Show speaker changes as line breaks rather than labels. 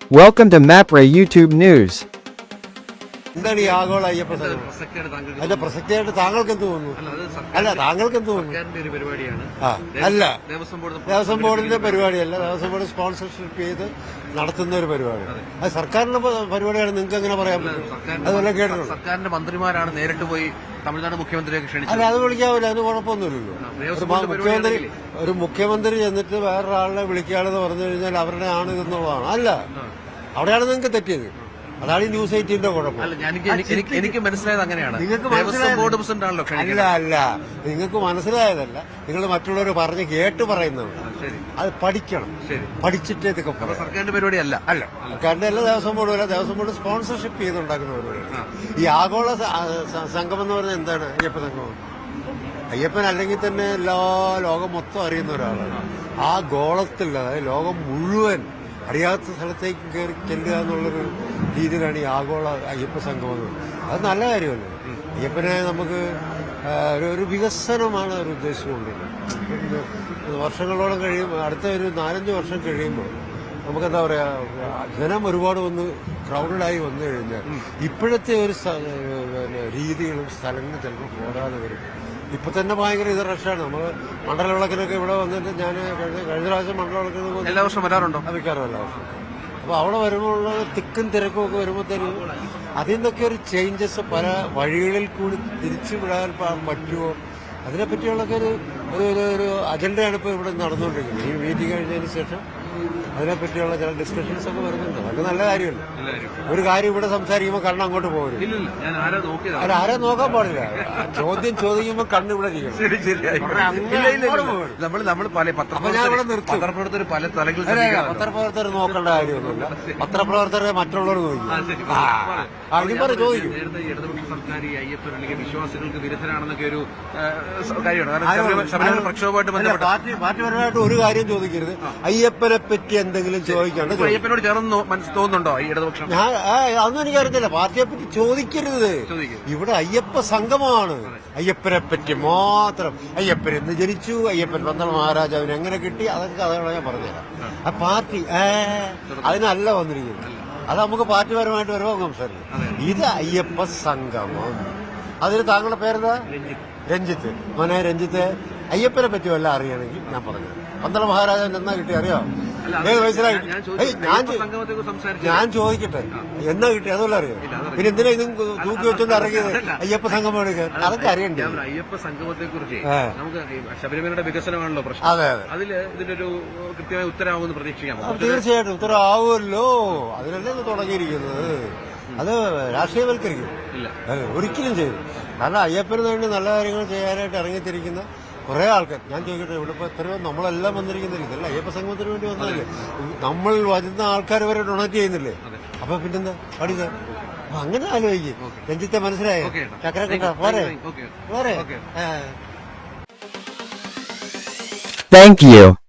Welcome to MAPRA YouTube News.
എന്താണ് ഈ ആഗോള അയ്യപ്പ സംഗമം? അതിന്റെ പ്രസക്തിയായിട്ട് താങ്കൾക്ക് എന്ത് തോന്നുന്നു? അല്ല, താങ്കൾക്ക് എന്ത് തോന്നുന്നു? അല്ല, ദേവസ്വം ബോർഡിന്റെ പരിപാടിയല്ല. ദേവസ്വം ബോർഡ് സ്പോൺസർഷിപ്പ് ചെയ്ത് നടത്തുന്ന ഒരു പരിപാടിയാണ്. അത് സർക്കാരിന്റെ പരിപാടിയാണ്. നിങ്ങൾക്ക് എങ്ങനെ പറയാൻ പറ്റും? അതുപോലെ കേട്ടിട്ടുണ്ട്.
സർക്കാരിന്റെ മന്ത്രിമാരാണ് നേരിട്ട് പോയി തമിഴ്നാട് മുഖ്യമന്ത്രിയെ ക്ഷണിച്ചത്.
അല്ല, അത് വിളിക്കാവില്ല. അതിന് കുഴപ്പമൊന്നുമില്ലല്ലോ. ഒരു മുഖ്യമന്ത്രി ചെന്നിട്ട് വേറൊരാളെ വിളിക്കാണെന്ന് പറഞ്ഞു കഴിഞ്ഞാൽ അവരുടെ ആണ് എന്നുള്ളതാണ്. അല്ല, അവിടെയാണ് നിങ്ങൾക്ക് തെറ്റിയത്. അതാണ് ഈ ന്യൂസ് 18ന്റെ കുഴപ്പം.
എനിക്ക് മനസ്സിലായത് അങ്ങനെയാണ്.
ബോർഡ് പ്രസിഡന്റ് ആണല്ലോ. അല്ല, നിങ്ങൾക്ക് മനസ്സിലായതല്ല. നിങ്ങൾ മറ്റുള്ളവർ പറഞ്ഞ് കേട്ട് പറയുന്നത്. അത് പഠിക്കണം. പഠിച്ചിട്ടേ ഇതൊക്കെ
സർക്കാരിന്റെ പരിപാടിയല്ല.
അല്ല, സർക്കാരിന്റെ അല്ല, ദേവസ്വം ബോർഡ് അല്ല. ദേവസ്വം ബോർഡ് സ്പോൺസർഷിപ്പ് ചെയ്തുണ്ടാക്കുന്ന പരിപാടി. ഈ ആഗോള സംഗമം എന്ന് പറഞ്ഞാൽ എന്താണ്? അയ്യപ്പ സംഗമം. അയ്യപ്പൻ അല്ലെങ്കിൽ തന്നെ ലോകം മൊത്തം അറിയുന്ന ഒരാളാണ്. ആ ഗോളത്തിൽ, അതായത് ലോകം മുഴുവൻ അറിയാത്ത സ്ഥലത്തേക്ക് കയറി ചെല്ലുക എന്നുള്ളൊരു രീതിയിലാണ് ഈ ആഗോള അയ്യപ്പ സംഗമം. അത് നല്ല കാര്യമല്ലേ? അയ്യപ്പനെ നമുക്ക് ഒരു വികസനമാണ് ഒരു ഉദ്ദേശിച്ചുകൊണ്ടിരുന്നത്. വർഷങ്ങളോളം കഴിയുമ്പോൾ, അടുത്ത ഒരു 4-5 വർഷം കഴിയുമ്പോൾ നമുക്കെന്താ പറയാ, ജനം ഒരുപാട് ക്രൗഡായി വന്നു കഴിഞ്ഞാൽ ഇപ്പോഴത്തെ ഒരു രീതികളും സ്ഥലങ്ങളും ചിലപ്പോൾ പോരാതെ വരും. ഇപ്പൊ തന്നെ ഭയങ്കര ഇത് റഷാണ്. നമ്മൾ മണ്ഡലവിളക്കിനൊക്കെ ഇവിടെ വന്നിട്ട് ഞാൻ കഴിഞ്ഞ പ്രാവശ്യം മണ്ഡലവിളക്കിന്
എല്ലാ വർഷം വരാറുണ്ടോ?
മിക്കാറും എല്ലാ വർഷം. അപ്പൊ അവിടെ വരുമ്പോൾ തിക്കും തിരക്കും ഒക്കെ വരുമ്പോഴത്തേനും അതിൽ നിന്നൊക്കെ ഒരു ചേഞ്ചസ് പല വഴികളിൽ കൂടി തിരിച്ചു വിടാൻ പറ്റുമോ, അതിനെപ്പറ്റിയുള്ളൊക്കെ ഒരു അജണ്ടയാണ് ഇപ്പോൾ ഇവിടെ നടന്നുകൊണ്ടിരിക്കുന്നത്. ഈ മീറ്റിംഗ് കഴിഞ്ഞതിന് ശേഷം അതിനെപ്പറ്റിയുള്ള ചില ഡിസ്കഷൻസ് ഒക്കെ വരുന്നുണ്ട്. അതൊക്കെ നല്ല കാര്യമല്ല. ഒരു കാര്യം ഇവിടെ സംസാരിക്കുമ്പോൾ കണ്ണ് അങ്ങോട്ട് പോകരുത്. അത് ആരെ നോക്കാൻ പാടില്ല. ചോദ്യം ചോദിക്കുമ്പോൾ കണ്ണ് ഇവിടെ ഇരിക്കണം. പത്രപ്രവർത്തകർ നോക്കേണ്ട കാര്യമൊന്നുമില്ല. പത്രപ്രവർത്തകരെ മറ്റുള്ളവർ നോക്കും. അടിമറി ചോദിക്കും.
വിശ്വാസികൾക്ക് വിരുദ്ധരാണെന്നൊക്കെ ഒരു കാര്യമാണ്.
പാർട്ടിപരമായിട്ട് ഒരു കാര്യം ചോദിക്കരുത്. അയ്യപ്പനെ പറ്റി എന്തെങ്കിലും ചോദിക്കാണ്ട്
അയ്യപ്പനോട് ചേർന്ന് തോന്നുന്നുണ്ടോ ഈ ഇടതുപക്ഷം?
അതൊന്നും എനിക്കറിയത്തില്ല. പാർട്ടിയെ പറ്റി ചോദിക്കരുത്. ഇവിടെ അയ്യപ്പ സംഗമമാണ്. അയ്യപ്പനെ പറ്റി മാത്രം. അയ്യപ്പൻ എന്ന് ജനിച്ചു, അയ്യപ്പൻ പന്തളം മഹാരാജാവിന് എങ്ങനെ കിട്ടി, അതൊക്കെ കഥകളെ ഞാൻ പറഞ്ഞുതരാം. ആ പാർട്ടി അതിനല്ല വന്നിരിക്കുന്നത്. അത് നമുക്ക് പാർട്ടിപരമായിട്ട് വരുമ്പോൾ സംസാരിക്കും. ഇത് അയ്യപ്പ സംഗമം. അതിന് താങ്കളുടെ പേരെന്താ? രഞ്ജിത്ത്. മോനെ രഞ്ജിത്ത്, അയ്യപ്പനെ പറ്റി വല്ല അറിയണമെങ്കിൽ ഞാൻ പറഞ്ഞു. പന്തളം മഹാരാജാവിന് എന്നാ കിട്ടി അറിയോ? ഏത് വയസ്സിലായി? ഞാൻ ചോദിക്കട്ടെ, എന്നാ കിട്ടി? അതുപോലെ അറിയാം. പിന്നെ എന്തിനാ ഇതും തൂക്കി വെച്ചോണ്ട് ഇറങ്ങിയത്? അയ്യപ്പ സംഗമം എടുക്കാൻ അതൊക്കെ അറിയണ്ടേ?
അയ്യപ്പ സംഗമത്തെ കുറിച്ച് നമുക്ക് ശബരിമലയുടെ വികസനമാണല്ലോ പ്രശ്നം.
അതെ അതെ.
അതിൽ ഇതിനൊരു കൃത്യമായ ഉത്തരവാകുമെന്ന് പ്രതീക്ഷിക്കാം.
തീർച്ചയായിട്ടും ഉത്തരവാകുമല്ലോ. അതിനല്ലേ ഇത് തുടങ്ങിയിരിക്കുന്നത്. അത് രാഷ്ട്രീയവൽക്കരിക്കും ഒരിക്കലും ചെയ്യും. കാരണം അയ്യപ്പന് വേണ്ടി നല്ല കാര്യങ്ങൾ ചെയ്യാനായിട്ട് ഇറങ്ങിത്തിരിക്കുന്ന കുറെ ആൾക്കാർ. ഞാൻ ചോദിക്കട്ടെ, ഇവിടെ ഇപ്പൊ എത്രയോ നമ്മളെല്ലാം വന്നിരിക്കുന്നില്ല. ഇതല്ല അയ്യപ്പ സംഗമത്തിന് വേണ്ടി വന്നതല്ലേ. നമ്മൾ വരുന്ന ആൾക്കാർ വരെ ഡൊണേറ്റ് ചെയ്യുന്നില്ലേ? അപ്പൊ പിന്നെന്താ പഠിക്ക? അങ്ങനെ ആലോചിക്കും. രഞ്ജിത്തെ മനസ്സിലായോ? ചക്രക്കട്ട പോരെ പോരെ.
Thank you.